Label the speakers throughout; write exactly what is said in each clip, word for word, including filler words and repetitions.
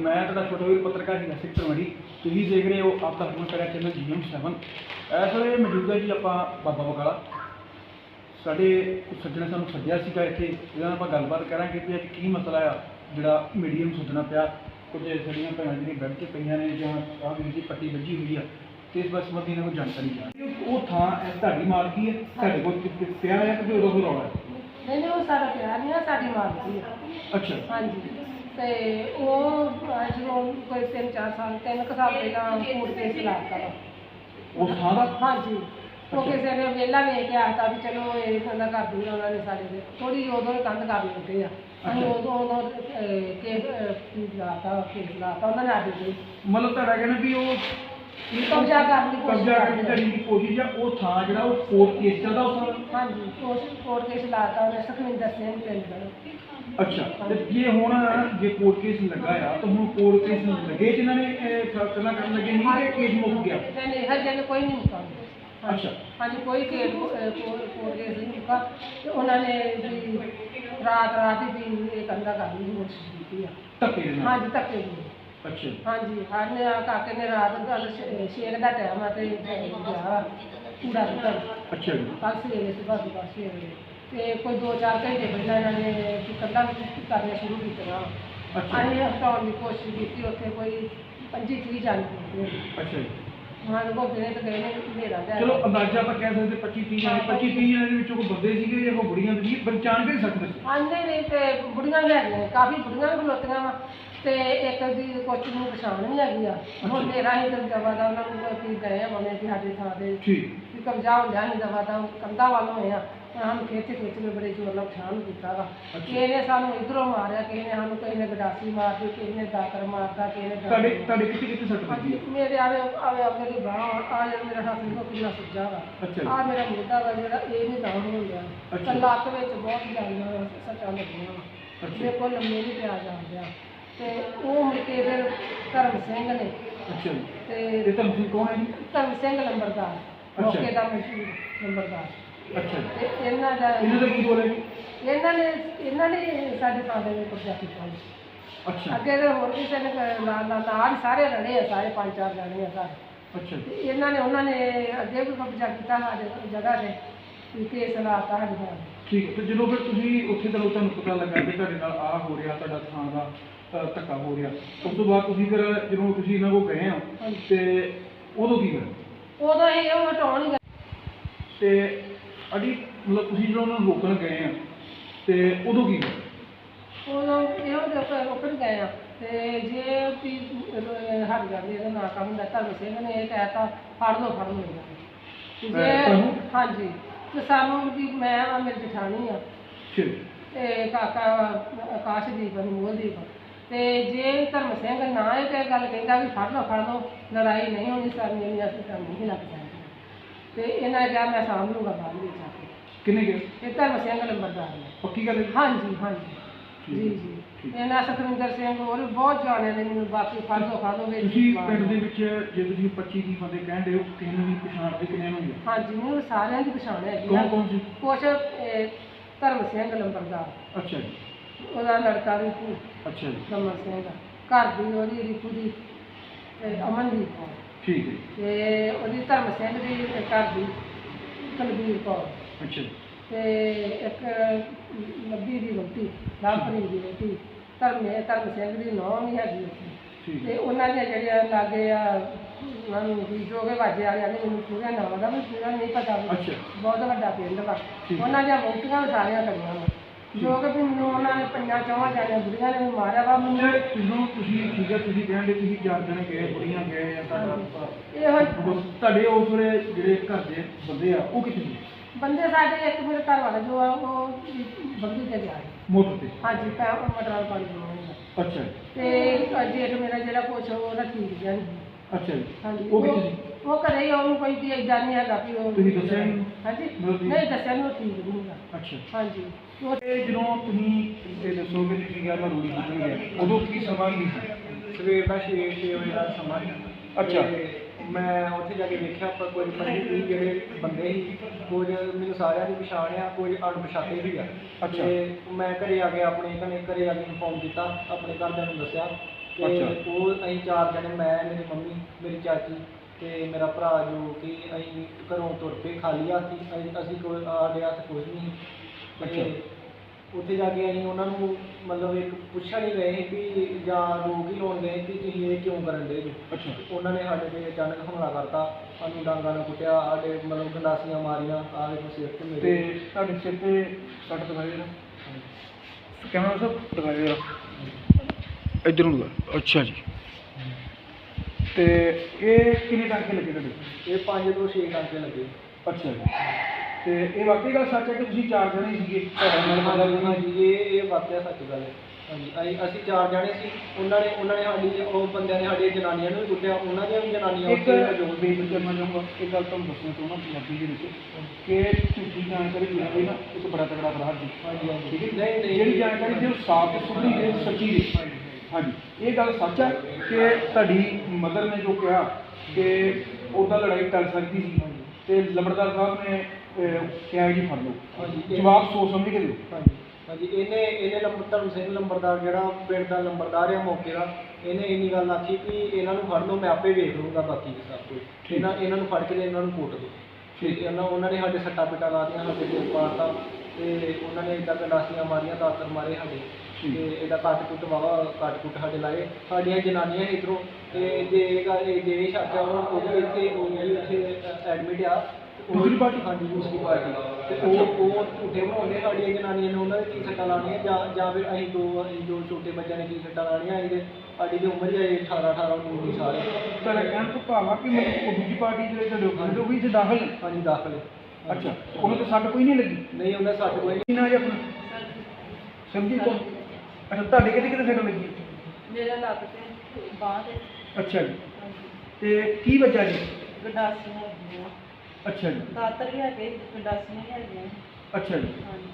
Speaker 1: मैं ਤੁਹਾਡਾ ਛੋਟਾ ਵੀਰ ਪੱਤਰਕਾਰ ਹੀ ਨਸਿਕ ਤਰਵੜੀ ਤੁਸੀਂ ਦੇਖ ਰਹੇ ਹੋ ਆਪ ਦਾ ਹੁਕਮ ਕਰਿਆ ਚੈਨਲ ਜੀ ਐਮ ਸੈਵਨ। ਇਸ ਵੇਲੇ ਮੌਜੂਦਾ ਜੀ ਆਪਾਂ ਬਾਬਾ ਬਕਾਲਾ ਸਾਡੇ ਸੱਜਣ ਸਾਨੂੰ ਸੱਦਿਆ ਸੀਗਾ ਇੱਥੇ, ਜਿਹਦੇ ਨਾਲ ਆਪਾਂ ਗੱਲਬਾਤ ਕਰਾਂਗੇ ਕਿ ਅੱਜ ਕੀ ਮਸਲਾ ਆ ਜਿਹੜਾ ਮੀਡੀਆ ਨੂੰ ਸੋਚਣਾ ਪਿਆ। ਕੁਝ ਸਾਡੀਆਂ ਭੈਣਾਂ ਜਿਹੜੀਆਂ ਬੈਠ ਕੇ ਪਈਆਂ ਨੇ ਜਾਂ ਆਹ ਵੀਰ ਦੀ ਪੱਟੀ ਵੱਜੀ ਹੋਈ ਆ ਤੇ ਇਸ ਬਾਰੇ ਸੰਬੰਧੀ ਇਹਨਾਂ ਕੋਈ ਜਾਣਕਾਰੀ ਚਾਹੀਦੀ। ਉਹ ਥਾਂ ਤੁਹਾਡੀ ਮਾਲਕੀ ਹੈ, ਤੁਹਾਡੇ ਕੋਲ ਪਿਆ ਹੈ ਕਿ ਉਦੋਂ ਕੋਈ ਰੌਲਾ ਹੈ?
Speaker 2: नहीं नहीं वो सारा प्यार नहीं है साड़ी मारती है।
Speaker 1: अच्छा
Speaker 2: हाँ जी तो वो जो कोई तीन चार साल तीन क साल पहला कोर्ट केस लाता वा
Speaker 1: उस थां दा?
Speaker 2: हाँ जी वो किसी ने वेला वेख के आता भी चलो ये कंधा कर दूंगा उन्होंने साढ़े थोड़ी उदों कंध कर लेते हैं ਅਸੀਂ ਉਦੋਂ ਉਦੋਂ ਕੇਸ ਲਾਤਾ ਕੇਸ ਲਾਤਾ ਉਹਨਾਂ ਨੇ ਆਡੀ ਗਈ
Speaker 1: ਮਤਲਬ ਤੁਹਾਡਾ ਕਹਿੰਦਾ ਵੀ ਉਹ
Speaker 2: ਕਬਜ਼ਾ ਕਰਨ ਦੀ ਕੋਸ਼ਿਸ਼
Speaker 1: ਕਬਜ਼ਾ ਕਰਨ ਦੀ ਕੋਸ਼ਿਸ਼ ਆ। ਉਹ ਥਾਂ ਜਿਹੜਾ ਉਹ ਕੋਰਟ ਕੇਸ ਚੱਲਦਾ ਉਸ ਦਾ?
Speaker 2: ਹਾਂਜੀ ਕੋਰਟ ਕੇਸ ਲਾਤਾ ਉਹਨੇ ਸੁਖਵਿੰਦਰ ਸਿੰਘ ਪਿੰਡ ਦਾ।
Speaker 1: ਅੱਛਾ ਤੇ ਜੇ ਹੁਣ ਜੇ ਕੋਰਟ ਕੇਸ ਲੱਗਾ ਆ ਤਾਂ ਹੁਣ ਕੋਰਟ ਕੇਸ ਲੱਗੇ ਜਿਨ੍ਹਾਂ ਨੇ ਫੈਸਲਾ ਕਰਨ ਲੱਗੇ ਨਹੀਂ ਕਿ ਕੇਸ ਮੁੱਕ ਗਿਆ?
Speaker 2: ਨਹੀਂ ਹਰ ਜਗ੍ਹਾ ਕੋਈ ਨਹੀਂ ਮੁੱਕਾ।
Speaker 1: ਅੱਛਾ
Speaker 2: ਹਾਂਜੀ ਕੋਈ ਕੇਸ ਕੋਰਟ ਕੇਸ ਨਹੀਂ ਮੁੱਕਾ ਤੇ ਉਹਨਾਂ ਨੇ ਵੀ ਰਾਤ ਰਾਤ ਹੀ ਵੀ ਇਹ ਕੰਦਾ ਕਰਨ ਦੀ ਕੋਸ਼ਿਸ਼ ਕੀਤੀ ਆ ਧੱਕੇ ਨਾਲ। ਹਾਂਜੀ ਧੱਕੇ ਦੀ।
Speaker 1: ਅੱਛਾ
Speaker 2: ਹਾਂਜੀ ਸਾਡੇ ਕਾਕੇ ਨੇ ਰਾਤ ਗੱਲ ਛੇ ਦਾ ਟਾਈਮ ਆ ਤੇ ਗਿਆ ਕੂੜਾ ਸੁੱਟਣ।
Speaker 1: ਅੱਛਾ ਜੀ
Speaker 2: ਕੱਲ੍ਹ ਸਵੇਰੇ ਸੁਬਾਹ ਸੁਬਾਹ ਛੇ ਵਜੇ ਤੇ ਕੋਈ ਦੋ ਚਾਰ ਘੰਟੇ ਪਹਿਲਾਂ ਇਹਨਾਂ ਨੇ ਕੰਧਾਂ ਕਰਨੀਆਂ ਸ਼ੁਰੂ ਕੀਤੀਆਂ। ਅਸੀਂ ਹਟਾਉਣ ਦੀ ਕੋਸ਼ਿਸ਼ ਕੀਤੀ, ਉੱਥੇ ਕੋਈ ਪੰਜੀ ਤੀਹ ਜਾਣੇ ਪਹੁੰਚੇ।
Speaker 1: ਅੱਛਾ ਜੀ
Speaker 2: ਹਾਂ ਲੋਕ ਗਏ ਤਾਂ ਗਏ ਨੇ ਹਨੇਰਾ ਦਾ।
Speaker 1: ਚਲੋ ਅੰਦਾਜ਼ਾ ਆਪਾਂ ਕਹਿ ਸਕਦੇ ਪੱਚੀ ਤੀਹ ਜਾਣੇ ਪੱਚੀ ਤੀਹ ਜਾਣੇ ਦੇ ਵਿੱਚੋਂ ਕੋਈ ਬੰਦੇ ਸੀਗੇ ਜਾਂ ਕੋਈ ਬੁੜੀਆਂ ਸੀ? ਪਛਾਣ ਕੇ ਸਕਦੇ ਸੀ?
Speaker 2: ਆਂਦੇ ਨੇ ਤੇ ਬੁੜੀਆਂ ਵੀ ਹੈਗੀਆਂ ਕਾਫੀ ਬੁੜੀਆਂ ਵੀ ਖਲੋਤੀਆਂ ਵਾ ਤੇ ਇੱਕ ਦੀ ਕੁਛ ਨੂੰ ਪਛਾਣ ਨਹੀਂ ਹੈਗੀ ਆ। ਹੁਣ ਮੇਰਾ ਹੀ ਤਾਂ ਦਵਾ ਦਾ ਉਹਨਾਂ ਨੂੰ ਕੀ ਗਏ ਆ ਬਣੇ ਕਿ ਸਾਡੇ ਥਾਂ ਦੇ
Speaker 1: ਠੀਕ
Speaker 2: ਵੀ ਕਬਜ਼ਾ ਹੋ ਗਿਆ ਨਹੀਂ ਦਵਾ ਦਾ ਕੰਧਾਂ ਵੱਲ ਹੋਏ ਆ ਸਾਨੂੰ ਖੇਚੇ ਖੇਚੇ ਨੇ ਬੜੇ ਜ਼ੋਰ ਨਾਲ ਪਛਾਣ ਕੀਤਾ ਵਾ। ਕਿਸੇ ਨੇ ਸਾਨੂੰ ਇੱਧਰੋਂ ਮਾਰਿਆ, ਕਿਸੇ ਨੇ ਸਾਨੂੰ ਕਿਸੇ ਨੇ ਗਡਾਸੀ ਮਾਰਦੀ, ਕਿਸੇ ਨੇ ਦਾਤਰ ਮਾਰਦਾ, ਕਿਸੇ ਨੇ
Speaker 1: ਤੁਹਾਡੇ ਤੁਹਾਡੇ ਕਿੱਥੇ ਕਿੱਥੇ ਸੱਟ ਲੱਗੀ?
Speaker 2: ਮੇਰੇ ਆਵੇ ਆਵੇ ਆਪਣੇ ਦੀ ਬਾਂਹ ਆ ਜਿਹੜਾ ਮੇਰਾ ਹੱਥ ਨੂੰ ਕਿੰਨਾ ਸੁੱਜਾ ਵਾ ਆ ਮੇਰਾ ਮੋਢਾ ਵਾ ਜਿਹੜਾ ਇਹ ਨਹੀਂ ਦਾਣ ਹੋ ਗਿਆ ਤਾਂ ਲੱਕ ਵਿੱਚ ਬਹੁਤ ਜ਼ਿਆਦਾ ਸੱਟਾਂ ਲੱਗੀਆਂ ਵਾ। ਮੇਰੇ ਕੋਲ ਲੰਮੇ ਨਹੀਂ ਪਿਆ ਜਾਂਦਿਆ ਤੇ ਉਹ ਮੁੜ ਕੇ ਫਿਰ ਧਰਮ ਸਿੰਘ ਨੇ।
Speaker 1: ਅੱਛਾ
Speaker 2: ਤੇ
Speaker 1: ਇਹ ਧਰਮ ਸਿੰਘ ਕੌਣ ਹੈ ਜੀ?
Speaker 2: ਧਰਮ ਸਿੰਘ ਲੰਬਰਦਾਰ ਮੌਕੇ ਦਾ ਮਸ਼ਹੂਰ ਲੰਬਰਦਾਰ।
Speaker 1: ਅੱਛਾ
Speaker 2: ਤੇ ਇਹਨਾਂ ਦਾ
Speaker 1: ਇਹਨਾਂ ਦਾ ਕੀ ਬੋਲੇ ਜੀ?
Speaker 2: ਇਹਨਾਂ ਨੇ ਇਹਨਾਂ ਨੇ ਸਾਡੇ ਥਾਂ ਦੇ ਕਬਜ਼ਾ ਕੀਤਾ ਜੀ।
Speaker 1: ਅੱਛਾ
Speaker 2: ਅੱਗੇ ਤਾਂ ਹੋਰ ਕਿਸੇ ਨੇ ਨਾਲ ਨਾਲ ਸਾਰੇ ਰਲੇ ਆ, ਸਾਰੇ ਪੰਜ ਚਾਰ ਜਾਣੇ ਆ ਸਾਰੇ।
Speaker 1: ਅੱਛਾ
Speaker 2: ਤੇ ਇਹਨਾਂ ਨੇ ਉਹਨਾਂ ਨੇ ਅੱਗੇ ਵੀ ਕਬਜ਼ਾ ਕੀਤਾ ਸਾਡੇ ਜਗ੍ਹਾ ਤੇ ਵੀ ਕੇਸ ਲਾਤਾ ਸਾਡੇ ਨਾਲ।
Speaker 1: ਠੀਕ ਹੈ ਤੇ ਜਦੋਂ ਫਿਰ ਤੁਸੀਂ ਉੱਥੇ ਚਲੋ ਤੁਹਾਨੂੰ ਪਤਾ ਲੱਗਾ ਕਿ ਤੁਹਾਡੇ ਨਾਲ ਆਹ ਹੋ ਰਿਹਾ, ਤੁਹਾਡਾ ਥਾਂ ਦਾ ਅ, ਧੱਕਾ ਹੋ ਰਿਹਾ, ਉਸ ਤੋਂ ਬਾਅਦ ਤੁਸੀਂ ਫਿਰ ਜਦੋਂ ਤੁਸੀਂ ਇਹਨਾਂ ਕੋਲ ਗਏ ਹੋ ਤੇ ਉਦੋਂ ਕੀ ਹੋਇਆ?
Speaker 2: ਉਦੋਂ ਇਹ ਉਹ ਹਟਾਉਣ ਹੀ
Speaker 1: ਤੇ ਅੜੀ ਮਤਲਬ ਤੁਸੀਂ ਜਦੋਂ ਉਹਨਾਂ ਨੂੰ ਰੋਕਣ ਗਏ ਆ ਤੇ ਉਦੋਂ ਕੀ ਹੋਇਆ?
Speaker 2: ਉਦੋਂ ਇਹੋ ਜਿਹਾ ਰੋਕਣ ਗਏ ਆ ਤੇ ਜੇ ਵੀ ਹਟ ਜਾਂਦੇ ਇਹਦਾ ਨਾ ਕੰਮ ਹੁੰਦਾ ਧਰਮ ਸਿੰਘ ਨੇ ਇਹ ਕਹਿਤਾ ਫੜ ਲਓ ਫੜ ਲਓ ਜੇ ਹਾਂਜੀ ਤੇ ਸਾਨੂੰ ਵੀ ਮੈਂ ਆ ਮੇਰੀ ਜਠਾਣੀ ਆ ਤੇ ਕਾਕਾ ਆਕਾਸ਼ਦੀਪ ਅਨਮੋਲਦੀਪ ਤੇ ਜੇ ਧਰਮ ਸਿੰਘ ਨਾ ਇਹ ਤੇ ਗੱਲ ਕਹਿੰਦਾ ਵੀ ਫੜ ਲਓ ਫੜ ਲਓ ਲੜਾਈ ਨਹੀਂ ਹੋਣੀ ਕਰਨੀ ਨਹੀਂ ਅਸੀਂ ਤਾਂ ਨਹੀਂ ਲੱਗ ਜਾਂਦੇ ਤੇ ਇਹਨਾਂ ਨੇ ਕਿਹਾ ਮੈਂ ਸਾਂਭ ਲੂੰਗਾ ਬਾਹਰ ਵਿੱਚ ਜਾ ਕੇ।
Speaker 1: ਕਿੰਨੇ ਗਏ?
Speaker 2: ਇਹ ਧਰਮ ਸਿੰਘ ਲੰਬਰਦਾਰ ਨੇ।
Speaker 1: ਪੱਕੀ ਗੱਲ ਹੈ?
Speaker 2: ਹਾਂਜੀ ਹਾਂਜੀ ਜੀ ਜੀ ਇਹਨਾਂ ਸੁਖਵਿੰਦਰ ਸਿੰਘ ਹੋਰ ਬਹੁਤ ਜਾਣੇ ਨੇ ਮੈਨੂੰ ਬਾਕੀ ਫੜ ਲਓ ਫੜ ਲਓ ਵਿੱਚ।
Speaker 1: ਤੁਸੀਂ ਪਿੰਡ ਦੇ ਵਿੱਚ ਜੇ ਤੁਸੀਂ ਪੱਚੀ ਦੀ ਬੰਦੇ ਕਹਿਣ ਦੇ ਹੋ ਕਿਸੇ ਨੂੰ ਵੀ ਪਛਾਣਦੇ ਕਿੰਨੇ ਨੂੰ?
Speaker 2: ਹਾਂਜੀ ਮੈਨੂੰ ਸਾਰਿਆਂ ਦੀ ਪਛਾਣ ਹੈਗੀ।
Speaker 1: ਕੌਣ ਕੌਣ ਸੀ?
Speaker 2: ਕੁਛ ਧਰਮ ਸਿੰਘ ਲੰਬਰਦਾਰ,
Speaker 1: ਅੱਛਾ ਜੀ
Speaker 2: ਉਹਦਾ ਲੜਕਾ ਰਿਪੂ।
Speaker 1: ਅੱਛਾ ਜੀ
Speaker 2: ਰਮਨ ਸਿੰਘ ਘਰ ਦੀ ਉਹਦੀ ਰਿਪੂ ਦੀ ਤੇ ਅਮਨਦੀਪ ਕੌਰ।
Speaker 1: ਠੀਕ ਹੈ
Speaker 2: ਤੇ ਉਹਦੀ ਧਰਮ ਸਿੰਘ ਦੀ ਘਰ ਦੀ ਕੁਲਬੀਰ ਕੌਰ।
Speaker 1: ਅੱਛਾ
Speaker 2: ਤੇ ਇੱਕ ਲੱਭੀ ਦੀ ਰੋਟੀ ਲਾਭਪ੍ਰੀਤ ਦੀ ਰੋਟੀ ਧਰਮ ਧਰਮ ਸਿੰਘ ਦੀ ਨੌਂ ਵੀ ਹੈਗੀ ਉੱਥੇ। ਤੇ ਉਹਨਾਂ ਦੀਆਂ ਜਿਹੜੀਆਂ ਲਾਗੇ ਆ ਉਹਨਾਂ ਨੂੰ ਵੀ ਜੋਗੇ ਵਾਜੇ ਵਾਲਿਆਂ ਨੇ ਮੈਨੂੰ ਪੂਰਾ ਨਾਮ ਦਾ ਵੀ ਪੂਰਾ ਨਹੀਂ ਪਤਾ ਵੀ ਬਹੁਤ ਵੱਡਾ ਪਿੰਡ ਵਾ। ਉਹਨਾਂ ਦੀਆਂ ਵੋਟੀਆਂ ਵੀ ਸਾਰੀਆਂ ਕਰੀਆਂ ਵਾ ਜੋ ਕਿ ਵੀ ਮੈਨੂੰ ਉਹਨਾਂ ਨੇ ਪੰਜਾਂ ਚੌਹਾਂ ਜਾਣਿਆਂ ਬੁੜੀਆਂ ਨੇ ਵੀ ਮਾਰਿਆ ਵਾ ਮੈਨੂੰ।
Speaker 1: ਜਦੋਂ ਤੁਸੀਂ ਠੀਕ ਹੈ ਤੁਸੀਂ ਕਹਿੰਦੇ ਤੁਸੀਂ ਚਾਰ ਜਣੇ ਗਏ ਬੁੜੀਆਂ ਗਏ ਜਾਂ ਤੁਹਾਡਾ
Speaker 2: ਇਹੋ
Speaker 1: ਤੁਹਾਡੇ ਉਸ ਵੇਲੇ ਜਿਹੜੇ ਘਰ ਦੇ ਬੰਦੇ ਆ ਉਹ ਕਿੱਥੇ ਸੀ?
Speaker 2: ਬੰਦੇ ਸਾਡੇ ਇੱਕ ਮੇਰੇ ਘਰ ਵਾਲਾ ਜੋ ਆ ਉਹ ਬੰਦੀ ਤੇ ਗਿਆ
Speaker 1: ਮੋਟਰ ਤੇ?
Speaker 2: ਹਾਂਜੀ ਪੈ ਮਟਰਾਂ ਪਾਣੀ ਬਣਾਉਣਾ।
Speaker 1: ਅੱਛਾ
Speaker 2: ਤੇ ਜੇਠ ਮੇਰਾ ਜਿਹੜਾ ਕੁਛ ਉਹਦਾ ਠੀਕ ਜਿਹਾ ਨਹੀਂ।
Speaker 1: ਅੱਛਾ ਜੀ
Speaker 2: ਹਾਂਜੀ
Speaker 1: ਉਹ ਕਿੱਥੇ ਸੀ?
Speaker 2: ਉਹ ਘਰੇ ਹੀ ਉਹਨੂੰ ਕੋਈ ਵੀ ਏਦਾਂ ਨਹੀਂ ਹੈਗਾ ਵੀ ਉਹ
Speaker 1: ਤੁਸੀਂ ਦੱਸਿਆ ਨਹੀਂ?
Speaker 2: ਹਾਂਜੀ ਨਹੀਂ ਦੱਸਿਆ ਨਹੀਂ, ਉਹ ਠੀਕ ਨਹੀਂ ਹੈਗਾ।
Speaker 1: ਅੱਛਾ
Speaker 2: ਹਾਂਜੀ
Speaker 1: ਇਹ ਜਦੋਂ ਤੁਸੀਂ ਇਹ ਦੱਸੋਗੇ ਤੁਸੀਂ ਕਿਹਾ ਮੈਂ ਰੂੜੀ ਕਿੱਥੇ ਗਿਆ ਉਦੋਂ ਕੀ ਸਮਾਂ ਕੀ ਸੀ?
Speaker 3: ਸਵੇਰ ਦਾ ਛੇ ਛੇ ਵਜੇ ਦਾ ਸਮਾਂ ਸੀ।
Speaker 1: ਅੱਛਾ
Speaker 3: ਮੈਂ ਉੱਥੇ ਜਾ ਕੇ ਵੇਖਿਆ ਪਰ ਕੁਝ ਪੰਜੀ ਤੀਹ ਜਿਹੜੇ ਬੰਦੇ ਸੀ, ਕੁਝ ਮੈਨੂੰ ਸਾਰਿਆਂ ਦੀ ਪਛਾਣ ਆ, ਕੁਝ ਅਣਪਛਾਤੇ ਵੀ ਆ।
Speaker 1: ਅੱਛਾ।
Speaker 3: ਤੇ ਮੈਂ ਘਰੇ ਆ ਕੇ ਆਪਣੇ ਘਰੇ ਘਰੇ ਆ ਕੇ ਇਨਫੋਰਮ ਕੀਤਾ, ਆਪਣੇ ਘਰਦਿਆਂ ਨੂੰ ਦੱਸਿਆ ਤੇ
Speaker 1: ਅੱਛਾ।
Speaker 3: ਉਹ ਅਸੀਂ ਚਾਰ ਜਣੇ, ਮੈਂ, ਮੇਰੀ ਮੰਮੀ, ਮੇਰੀ ਚਾਚੀ ਤੇ ਮੇਰਾ ਭਰਾ, ਜੋ ਕਿ ਅਸੀਂ ਘਰੋਂ ਤੁਰ ਪਏ ਖਾਲੀ ਹੱਥ ਹੀ। ਅਸੀਂ ਅਸੀਂ ਕੋਈ ਸਾਡੇ ਹੱਥ ਕੁਛ ਨਹੀਂ ਸੀ।
Speaker 1: ਅੱਛਾ।
Speaker 3: ਤੇ ਉੱਥੇ ਜਾ ਕੇ ਅਸੀਂ ਉਹਨਾਂ ਨੂੰ ਮਤਲਬ ਇੱਕ ਪੁੱਛਣ ਹੀ ਗਏ ਸੀ ਵੀ ਜਾਂ ਰੋਕ ਹੀ ਲਾਉਣ ਗਏ ਕਿ ਤੁਸੀਂ ਇਹ ਕਿਉਂ ਕਰਨ ਦੇ ਜੀ।
Speaker 1: ਅੱਛਾ।
Speaker 3: ਉਹਨਾਂ ਨੇ ਸਾਡੇ 'ਤੇ ਅਚਾਨਕ ਹਮਲਾ ਕਰਤਾ, ਸਾਨੂੰ ਡਾਂਗਾਂ ਨਾਲ ਕੁੱਟਿਆ, ਸਾਡੇ ਮਤਲਬ ਗੰਡਾਸੀਆਂ ਮਾਰੀਆਂ, ਆਹ ਵੇਖੋ ਸਿਰ 'ਤੇ
Speaker 1: ਤੇ
Speaker 3: ਮੇਰੇ।
Speaker 1: ਤੁਹਾਡੇ ਸਿਰ ਤੇ ਕੱਟ ਦਿਖਾਏ ਜਰਾ, ਕੈਮਰਾ ਸਭ ਦਿਖਾਏ ਜਰਾ, ਇੱਧਰ ਨੂੰ ਦਿਖਾ। ਅੱਛਾ ਜੀ। ਤੇ ਇਹ ਕਿੰਨੇ ਟਾਂਕੇ ਲੱਗੇ ਤੁਹਾਡੇ?
Speaker 3: ਇਹ ਪੰਜ ਤੋਂ ਛੇ ਟਾਂਕੇ ਲੱਗੇ।
Speaker 1: ਅੱਛਾ ਜੀ। ਤੇ ਇਹ ਵਾਕਈ ਗੱਲ ਸੱਚ ਹੈ ਕਿ ਤੁਸੀਂ ਚਾਰ ਜਣੇ ਸੀਗੇ ਤੁਹਾਡੇ ਨਾਲ
Speaker 3: ਹਾਂਜੀ
Speaker 1: ਮਤਲਬ
Speaker 3: ਹਾਂਜੀ, ਇਹ ਇਹ ਵਾਕਿਆ ਸੱਚ ਗੱਲ ਹੈ। ਹਾਂਜੀ, ਅਸੀਂ ਅਸੀਂ ਚਾਰ ਜਣੇ ਸੀ। ਉਹਨਾਂ ਨੇ ਉਹਨਾਂ ਨੇ ਸਾਡੀ ਉਹ ਬੰਦਿਆਂ ਨੇ ਸਾਡੀਆਂ ਜਨਾਨੀਆਂ ਨੂੰ ਵੀ ਕੁੱਟਿਆ, ਉਹਨਾਂ ਦੀਆਂ ਵੀ ਜਨਾਨੀਆਂ
Speaker 1: ਇੱਕ
Speaker 3: ਉੱਥੇ ਮੌਜੂਦ ਸੀ।
Speaker 1: ਬੇਨਤੀ ਕਰਨਾ ਚਾਹੂੰਗਾ, ਇਹ ਗੱਲ ਤੁਹਾਨੂੰ ਦੱਸਣਾ ਚਾਹੁੰਦਾ ਪੰਜਾਬੀ ਦੇ ਵਿੱਚ ਕਿ ਝੂਠੀ ਜਾਣਕਾਰੀ ਦੇਣਾ ਵੀ ਨਾ ਇੱਕ ਬੜਾ ਤਕੜਾ ਅਪਰਾਧ ਜੀ।
Speaker 3: ਹਾਂਜੀ ਹਾਂਜੀ,
Speaker 1: ਠੀਕ ਹੈ ਜੀ?
Speaker 3: ਨਹੀਂ ਨਹੀਂ,
Speaker 1: ਜਿਹੜੀ ਜਾਣਕਾਰੀ ਜੋ ਸਾਫ਼ ਤੇ ਸੁਥਰੀ ਤੇ ਸੱਚੀ ਦੇ। ਹਾਂਜੀ, ਇਹ ਗੱਲ ਸੱਚ ਹੈ ਕਿ ਤੁਹਾਡੀ ਮਦਰ ਨੇ ਜੋ ਕਿਹਾ ਕਿ ਉਹਦਾ ਲੜਾਈ ਟਲ ਸਕਦੀ ਸੀ ਤੇ ਲੰਬੜਦਾਰ ਸਾਹਿਬ ਨੇ ਅਹ, ਕਿਹਾ ਜੀ ਫੜ ਲਓ।
Speaker 3: ਹਾਂਜੀ, ਇਹ-
Speaker 1: ਜਵਾਬ ਸੋਚ ਸਮਝ ਕੇ ਦਿਓ।
Speaker 3: ਹਾਂਜੀ ਹਾਂਜੀ, ਇਹਨੇ ਇਹਨੇ ਲੰਬਰ ਧਰਮ ਸਿੰਘ ਲੰਬਰਦਾਰ, ਜਿਹੜਾ ਪਿੰਡ ਦਾ ਲੰਬਰਦਾਰ ਆ ਮੌਕੇ ਦਾ, ਇਹਨੇ ਇੰਨੀ ਗੱਲ ਆਖੀ ਕਿ ਇਹਨਾਂ ਨੂੰ ਫੜ ਲਓ, ਮੈਂ ਆਪੇ ਵੇਖ ਲਊਂਗਾ ਬਾਕੀ ਦੇ ਸਭ ਕੁਝ। ਇਹਨਾਂ ਇਹਨਾਂ ਨੂੰ ਫੜ ਕੇ ਤੇ ਇਹਨਾਂ ਨੂੰ ਕੁੱਟ ਦਿਓ। ਠੀਕ ਹੈ, ਉਹਨਾਂ ਉਹਨਾਂ ਨੇ ਸਾਡੇ ਸੱਟਾਂ ਪਿੱਟਾਂ ਲਾ ਦਿੱਤੀਆਂ, ਸਾਡੇ ਕੋਲ ਪਾੜਤਾ ਤੇ ਉਹਨਾਂ ਨੇ ਇੱਦਾਂ ਗੰਡਾਸੀਆਂ ਮਾਰੀਆਂ, ਦਾਤਰ ਮਾਰੇ ਸਾਡੇ ਤੇ ਇਹਦਾ ਕੱਟ ਕੁੱਟ ਵਾਵਾ ਕੱਟ ਕੁੱਟ ਸਾਡੇ ਲਾਏ। ਸਾਡੀਆਂ ਜਨਾਨੀਆਂ ਇੱਧਰੋਂ ਤੇ ਜੇ ਇਹ ਗੱਲ ਇਹ ਜੇ ਇਹ ਸ਼ੱਕ ਆ ਉਹ ਉਹ ਵੀ ਇੱਥੇ ਉਹ ਵੀ ਇੱਥੇ ਐਡਮਿਟ ਆ। ਉਹ
Speaker 1: ਦੂਸਰੀ ਪਾਰਟੀ?
Speaker 3: ਹਾਂਜੀ, ਦੂਸਰੀ ਪਾਰਟੀ। ਤੇ ਉਹ ਉਹ ਝੂਠੇ ਬਣਾਉਂਦੇ ਸਾਡੀਆਂ ਜਨਾਨੀਆਂ ਨੂੰ, ਉਹਨਾਂ ਦੇ ਕੀ ਸੱਟਾਂ ਲਾਉਣੀਆਂ, ਜਾਂ ਜਾਂ ਫਿਰ ਅਸੀਂ ਦੋ ਅਸੀਂ ਦੋ ਛੋਟੇ ਬੱਚਿਆਂ ਨੇ ਕੀ ਸੱਟਾਂ ਲਾਉਣੀਆਂ। ਅਸੀਂ ਤੇ ਸਾਡੀ ਦੀ ਉਮਰ ਹੀ ਹੈ ਅਠਾਰਾਂ ਅਠਾਰਾਂ ਉੱਨੀ ਸਾਲ।
Speaker 1: ਤੁਹਾਡਾ ਕਹਿਣ ਤੋਂ ਭਾਵ ਆ ਕਿ ਮਤਲਬ ਉਹ ਦੂਜੀ ਪਾਰਟੀ ਜਿਹੜੇ ਤੁਹਾਡੇ ਉੱਪਰ ਉਹ ਵੀ ਇੱਥੇ ਦਾਖਲ ਨੇ?
Speaker 3: ਹਾਂਜੀ, ਦਾਖਲ ਹੈ।
Speaker 1: ਅੱਛਾ, ਉਹਨੂੰ ਤਾਂ ਸੱਟ ਕੋਈ ਨਹੀਂ ਲੱਗੀ?
Speaker 3: ਨਹੀਂ, ਉਹਨਾਂ ਸੱਟ ਕੋਈ ਨਹੀਂ।
Speaker 1: ਕੀ ਨਾਂ ਜੀ ਆਪਣਾ? ਸਰਬਜੀਤ ਕੌਰ। ਅੱਛਾ, ਤੁਹਾਡੇ ਕਿਹਦੇ ਕਿਹਦੇ ਸੱਟ ਲੱਗੀ?
Speaker 2: ਮੇਰਾ ਲੱਕ ਤੇ ਬਾਂਹ ਤੇ।
Speaker 1: ਅੱਛਾ ਜੀ।
Speaker 2: ਹਾਂਜੀ,
Speaker 1: ਤੇ ਕੀ ਵਜ੍ਹਾ ਜੀ?
Speaker 2: ਗੰਡਾਸੀਆਂ ਹੈਗੀਆਂ,
Speaker 1: ਅੱਛਾ ਜੀ।
Speaker 2: ਦਾਤਰ ਵੀ ਹੈਗੇ, ਗੰਡਾਸੀਆਂ ਵੀ ਹੈਗੀਆਂ।
Speaker 1: ਅੱਛਾ ਜੀ।
Speaker 2: ਹਾਂਜੀ,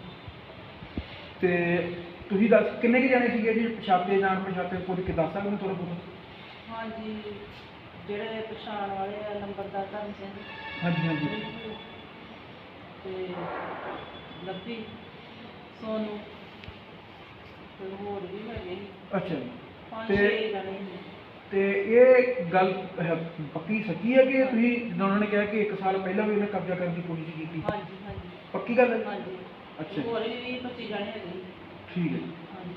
Speaker 1: ਤੇ ਤੁਸੀਂ ਦੱਸ ਕਿੰਨੇ ਕੁ ਜਾਣੇ ਸੀਗੇ ਜੀ? ਪਛਾਤੇ ਜਾਣ ਪਛਾਤੇ ਕੋਈ ਕਿ ਦੱਸ ਸਕਦੇ ਹੋ ਥੋੜ੍ਹਾ ਬਹੁਤ?
Speaker 2: ਹਾਂਜੀ, ਜਿਹੜੇ ਪਛਾਣ ਵਾਲੇ ਆ ਨੰਬਰਦਾਰ ਧਰਮ ਸਿੰਘ
Speaker 1: ਹਾਂਜੀ ਹਾਂਜੀ।
Speaker 2: ਤੇ ਲੱਭੀ, ਸੋਨੂੰ ਤੇ ਹੋਰ ਵੀ ਹੈਗੇ ਸੀ,
Speaker 1: ਅੱਛਾ ਜੀ।
Speaker 2: ਪੰਜ
Speaker 1: ਤੇ-
Speaker 2: ਛੇ ਜਣੇ ਸੀ।
Speaker 1: ਤੇ ਇਹ ਗੱਲ ਹੈ ਪੱਕੀ ਸੱਚੀ ਹੈ ਕਿ ਤੁਸੀਂ ਜਿੱਦਾਂ ਉਹਨਾਂ ਨੇ ਕਿਹਾ ਕਿ ਇੱਕ ਸਾਲ ਪਹਿਲਾਂ ਵੀ ਉਹਨੇ ਕਬਜ਼ਾ ਕਰਨ ਦੀ ਕੋਸ਼ਿਸ਼ ਕੀਤੀ?
Speaker 2: ਹਾਂਜੀ ਹਾਂਜੀ
Speaker 1: ਪੱਕੀ ਗੱਲ ਹੈ?
Speaker 2: ਹਾਂਜੀ।
Speaker 1: ਅੱਛਾ।
Speaker 2: ਹੋਰ ਵੀ ਵੀਹ ਪੱਚੀ ਜਣੇ ਹੈਗੇ ਸੀ।
Speaker 1: ਠੀਕ ਹੈ ਜੀ।
Speaker 2: ਹਾਂਜੀ,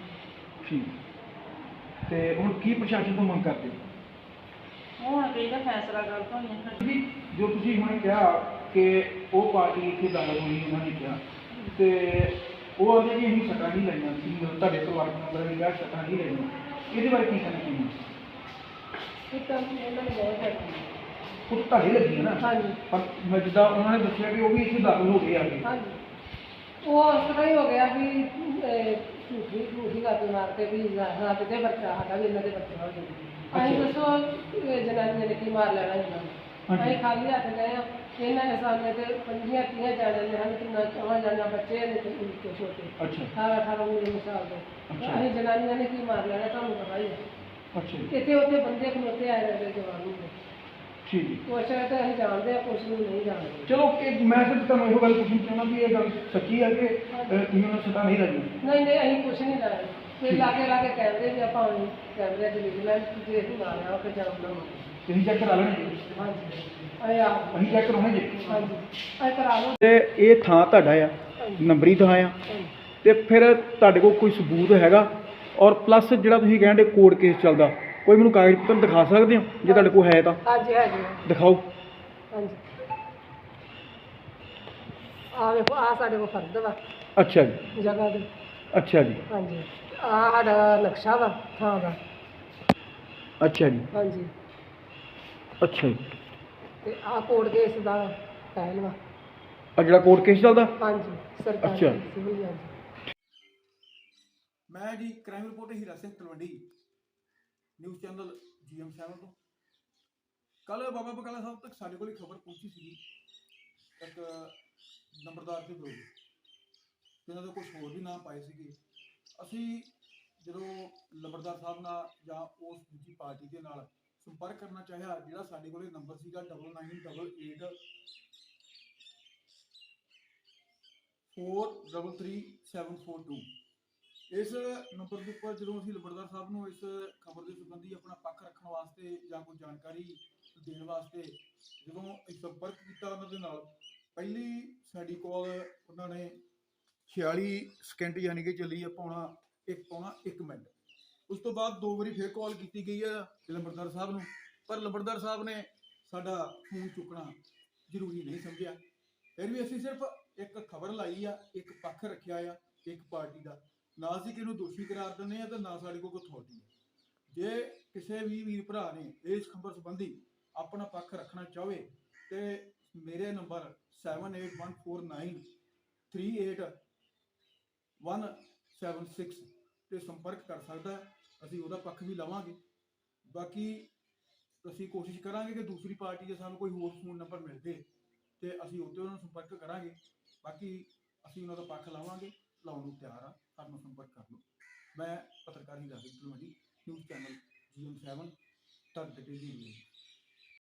Speaker 1: ਠੀਕ। ਤੇ ਹੁਣ ਕੀ ਪ੍ਰਸ਼ਾਸਨ ਤੋਂ ਮੰਗ ਕਰਦੇ ਹੋ?
Speaker 2: ਹੁਣ ਕਈ ਦਾ ਫੈਸਲਾ ਕਰ ਤੋਂ ਨਹੀਂ।
Speaker 1: ਜੀ, ਜੋ ਤੁਸੀਂ ਹੁਣੇ ਕਿਹਾ ਕਿ ਉਹ ਪਾਰਟੀ ਇੱਥੇ ਦਾਖਲ ਹੋਈ, ਉਹਨਾਂ ਨੇ ਕਿਹਾ ਤੇ ਉਹ ਆਖਦੇ ਕਿ ਅਸੀਂ ਸੱਟਾਂ ਨਹੀਂ ਲੈਣੀਆਂ ਸੀ, ਤੁਹਾਡੇ ਪਰਿਵਾਰਕ ਮੈਂਬਰ ਨੇ ਕਿਹਾ ਸੱਟਾਂ ਨਹੀਂ ਲੈਣੀਆਂ, ਇਹਦੇ ਬਾਰੇ ਕੀ ਕਹਿਣਾ ਚਾਹੁੰਦੇ ਹੋ?
Speaker 2: ਇਹ ਤਾਂ ਉਹਨਾਂ ਨੇ ਬਹੁਤ ਹੈ।
Speaker 1: ਉਹ ਤਾਂ ਤੁਹਾਡੇ ਲੱਗੀ ਹੈ ਨਾ?
Speaker 2: ਹਾਂਜੀ
Speaker 1: ਪਰ ਮੈਂ ਜਿੱਦਾਂ ਉਹਨਾਂ ਨੇ ਦੱਸਿਆ ਕਿ ਉਹ ਵੀ ਇੱਥੇ ਦਾਖਲ ਹੋ ਗਏ ਆ ਕੇ।
Speaker 2: ਹਾਂਜੀ, ਉਹ ਇਸ ਤਰ੍ਹਾਂ ਹੀ ਹੋ ਗਿਆ ਵੀ ਅਹ, ਝੂਠੀ ਝੂਠੀ ਗੱਲ ਮਾਰ ਕੇ ਵੀ ਹਾਂ ਕਿਤੇ ਬੱਚਾ ਸਾਡਾ ਵੀ ਇਹਨਾਂ ਦੇ ਬੱਚਾ ਹੋ ਜਾਊਗਾ। ਅਸੀਂ ਦੱਸੋ ਇਹ ਜਨਾਨੀਆਂ ਨੇ ਕੀ ਮਾਰ ਲੈਣਾ ਇਹਨਾਂ ਨੂੰ?
Speaker 1: ਹਾਂਜੀ।
Speaker 2: ਅਸੀਂ ਖਾਲੀ ਹੱਥ ਗਏ ਆ, ਇਹਨਾਂ ਨੇ ਸਾਹਮਣੇ ਤੇ ਪੰਜੀਆਂ ਤੀਆਂ ਜਾਣੇ ਨੇ, ਹਨ ਕਿੰਨਾ ਚੌਹਾਂ ਜਾਣਾ ਬੱਚੇ ਨੇ ਤੇ ਨਿੱਕੇ ਛੋਟੇ
Speaker 1: ਅੱਛਾ
Speaker 2: ਅਠਾਰਾਂ ਅਠਾਰਾਂ ਉੱਨੀ ਸਾਲ ਦੇ।
Speaker 1: ਅੱਛਾ।
Speaker 2: ਅਸੀਂ ਜਨਾਨੀਆਂ ਨੇ ਕੀ ਮਾਰ ਲੈਣਾ ਤੁਹਾਨੂੰ ਪਤਾ ਹੀ ਹੈ।
Speaker 1: ਅੱਛਾ ਜੀ।
Speaker 2: ਇੱਥੇ ਉੱਥੇ ਬੰਦੇ ਖਲੋਤੇ ਆਏ ਰਹੇ ਜਵਾਨ ਨੂੰ,
Speaker 1: ਠੀਕ ਜੀ।
Speaker 2: ਕੁਛ ਤਾਂ ਅਸੀਂ ਜਾਣਦੇ ਆ, ਕੁਛ ਨੂੰ ਨਹੀਂ ਜਾਣਦੇ।
Speaker 1: ਚਲੋ ਇਹ ਮੈਂ ਸਿਰਫ ਤੁਹਾਨੂੰ ਇਹੋ ਗੱਲ ਪੁੱਛਣੀ ਚਾਹੁੰਦਾ ਵੀ ਇਹ ਗੱਲ ਸੱਚੀ ਹੈ ਕਿ ਅਹ, ਤੁਸੀਂ ਉਹਨਾਂ ਨੂੰ ਸੱਟਾਂ ਨਹੀਂ ਲੱਗੀਆਂ?
Speaker 2: ਨਹੀਂ ਨਹੀਂ, ਅਸੀਂ ਕੁਛ ਨਹੀਂ ਲਾਇਆ। ਤੇ ਲਾਗੇ ਲਾਗੇ ਕੈਮਰੇ ਵੀ ਆਪਾਂ ਹੁਣ ਕੈਮਰੇ ਦੇ ਵਿਜੀਲੈਂਸ ਜੇ ਅਸੀਂ ਮਾਰਿਆ ਉਹ ਕਿ ਜਾਮ ਨਾ ਮਾਰਿਆ।
Speaker 1: ਤੁਸੀਂ ਚੈੱਕ ਕਰਾ ਲੈਣੇ ਜੀ?
Speaker 2: ਹਾਂਜੀ, ਅਸੀਂ ਆਪ
Speaker 1: ਅਸੀਂ ਚੈੱਕ ਕਰਾਉਣੇ ਜੀ?
Speaker 2: ਹਾਂਜੀ ਅਸੀਂ ਕਰਾ ਲਓ।
Speaker 1: ਤੇ ਇਹ ਥਾਂ ਤੁਹਾਡਾ ਆ, ਨੰਬਰੀ ਥਾਂ ਆ,
Speaker 2: ਹਾਂਜੀ
Speaker 1: ਤੇ ਫਿਰ ਤੁਹਾਡੇ ਕੋਲ ਕੋਈ ਸਬੂਤ ਹੈਗਾ? ਔਰ ਪਲੱਸ ਜਿਹੜਾ ਤੁਸੀਂ ਕਹਿੰਦੇ ਕੋਰਟ ਕੇਸ ਚੱਲਦਾ, ਕੋਈ ਮੈਨੂੰ ਕਾਗਜ਼ ਪੱਤਰ ਦਿਖਾ ਸਕਦੇ ਹੋ ਜੇ ਤੁਹਾਡੇ ਕੋਲ ਹੈ ਤਾਂ?
Speaker 2: ਹਾਂਜੀ ਹੈਗੇ ਆ।
Speaker 1: ਦਿਖਾਓ।
Speaker 2: ਹਾਂਜੀ, ਆ ਵੇਖੋ, ਆ ਸਾਡੇ ਕੋਲ ਫਰਦ ਵਾ
Speaker 1: ਅੱਛਾ ਜੀ।
Speaker 2: ਜਗ੍ਹਾ ਦੇ।
Speaker 1: ਅੱਛਾ ਜੀ।
Speaker 2: ਹਾਂਜੀ, ਆ ਸਾਡਾ ਨਕਸ਼ਾ ਵਾ ਥਾਂ ਦਾ।
Speaker 1: ਅੱਛਾ ਜੀ।
Speaker 2: ਹਾਂਜੀ,
Speaker 1: ਅੱਛਾ ਜੀ।
Speaker 2: ਤੇ ਆ ਕੋਰਟ ਕੇਸ ਦਾ ਫਾਈਲ ਵਾ।
Speaker 1: ਆ ਜਿਹੜਾ ਕੋਰਟ ਕੇਸ ਚੱਲਦਾ?
Speaker 2: ਹਾਂਜੀ, ਸਰਕਾਰੀ
Speaker 1: ਅੱਛਾ।
Speaker 2: ਸਿਵਲ ਜੱਜ।
Speaker 1: ਮੈਂ ਜੀ crime reporter Hira Singh Talwandi, news channel G M seven ਤੋਂ। ਕੱਲ ਬਾਬਾ ਬਕਾਲਾ ਸਾਹਿਬ ਤੱਕ ਸਾਡੇ ਕੋਲ ਖਬਰ ਪਹੁੰਚੀ ਸੀ ਇੱਕ ਨੰਬਰਦਾਰ ਦੇ ਵਿਰੁੱਧ, ਜਿਹਨਾਂ ਦੇ ਕੁਝ ਹੋਰ ਵੀ ਨਾਮ ਪਾਏ ਸੀਗੇ। ਅਸੀਂ ਜਦੋਂ ਨੰਬਰਦਾਰ ਸਾਹਿਬ ਨਾਲ ਜਾਂ ਉਸ ਦੂਜੀ ਪਾਰਟੀ ਦੇ ਨਾਲ ਸੰਪਰਕ ਕਰਨਾ ਚਾਹਿਆ, ਜਿਹੜਾ ਸਾਡੇ ਕੋਲ ਨੰਬਰ ਸੀਗਾ double nine double eight four double three seven four two, ਇਸ ਨੰਬਰ ਦੇ ਉੱਪਰ ਜਦੋਂ ਅਸੀਂ ਲੰਬੜਦਾਰ ਸਾਹਿਬ ਨੂੰ ਇਸ ਖਬਰ ਦੇ ਸੰਬੰਧੀ ਆਪਣਾ ਪੱਖ ਰੱਖਣ ਵਾਸਤੇ ਜਾਂ ਕੋਈ ਜਾਣਕਾਰੀ ਦੇਣ ਵਾਸਤੇ ਜਦੋਂ ਅਸੀਂ ਸੰਪਰਕ ਕੀਤਾ ਉਹਨਾਂ ਦੇ ਨਾਲ, ਪਹਿਲੀ ਸਾਡੀ ਕਾਲ ਉਹਨਾਂ ਨੇ ਛਿਆਲੀ ਸਕਿੰਟ ਯਾਨੀ ਕਿ ਚੱਲੀ ਆ ਪੌਣਾ ਇੱਕ ਪੌਣਾ ਇੱਕ ਮਿੰਟ। ਉਸ ਤੋਂ ਬਾਅਦ ਦੋ ਵਾਰੀ ਫਿਰ ਕਾਲ ਕੀਤੀ ਗਈ ਆ ਲੰਬੜਦਾਰ ਸਾਹਿਬ ਨੂੰ, ਪਰ ਲੰਬੜਦਾਰ ਸਾਹਿਬ ਨੇ ਸਾਡਾ ਫੋਨ ਚੁੱਕਣਾ ਜ਼ਰੂਰੀ ਨਹੀਂ ਸਮਝਿਆ। ਫਿਰ ਵੀ ਅਸੀਂ ਸਿਰਫ ਇੱਕ ਖਬਰ ਲਾਈ ਆ, ਇੱਕ ਪੱਖ ਰੱਖਿਆ ਆ ਇੱਕ ਪਾਰਟੀ ਦਾ, ਨਾ ਅਸੀਂ ਕਿਹਨੂੰ ਦੋਸ਼ੀ ਕਰਾਰ ਦਿੰਦੇ ਆ ਤੇ ਨਾ ਸਾਡੇ ਕੋਲ ਕੋਈ ਅਥਾਰਟੀ ਹੈ। ਜੇ ਕਿਸੇ ਵੀ ਵੀਰ ਭਰਾ ਨੇ ਇਸ ਖਬਰ ਸੰਬੰਧੀ ਆਪਣਾ ਪੱਖ ਰੱਖਣਾ ਚਾਹਵੇ ਤੇ ਮੇਰੇ number seven eight one four nine three eight one seven six ਤੇ ਸੰਪਰਕ ਕਰ ਸਕਦਾ ਹੈ। ਅਸੀਂ ਉਹਦਾ ਪੱਖ ਵੀ ਲਵਾਂਗੇ। ਬਾਕੀ ਅਸੀਂ ਕੋਸ਼ਿਸ਼ ਕਰਾਂਗੇ ਕਿ ਦੂਸਰੀ ਪਾਰਟੀ ਦੇ ਸਾਨੂੰ ਕੋਈ ਹੋਰ ਫੋਨ ਨੰਬਰ ਮਿਲ ਜੇ ਤੇ ਅਸੀਂ ਉੱਤੇ ਉਹਨਾਂ ਨੂੰ ਸੰਪਰਕ ਕਰਾਂਗੇ। ਬਾਕੀ ਅਸੀਂ ਉਹਨਾਂ ਦਾ ਪੱਖ ਲਾਵਾਂਗੇ, ਲਾਉਣ ਨੂੰ ਤਿਆਰ ਆ, ਸਾਨੂੰ ਸੰਪਰਕ ਕਰ ਲਓ। ਮੈਂ ਪੱਤਰਕਾਰ Hira Singh Dhilwan, news channel G M seven ਤੱਕ ਡਿਟੇਲ ਦੀ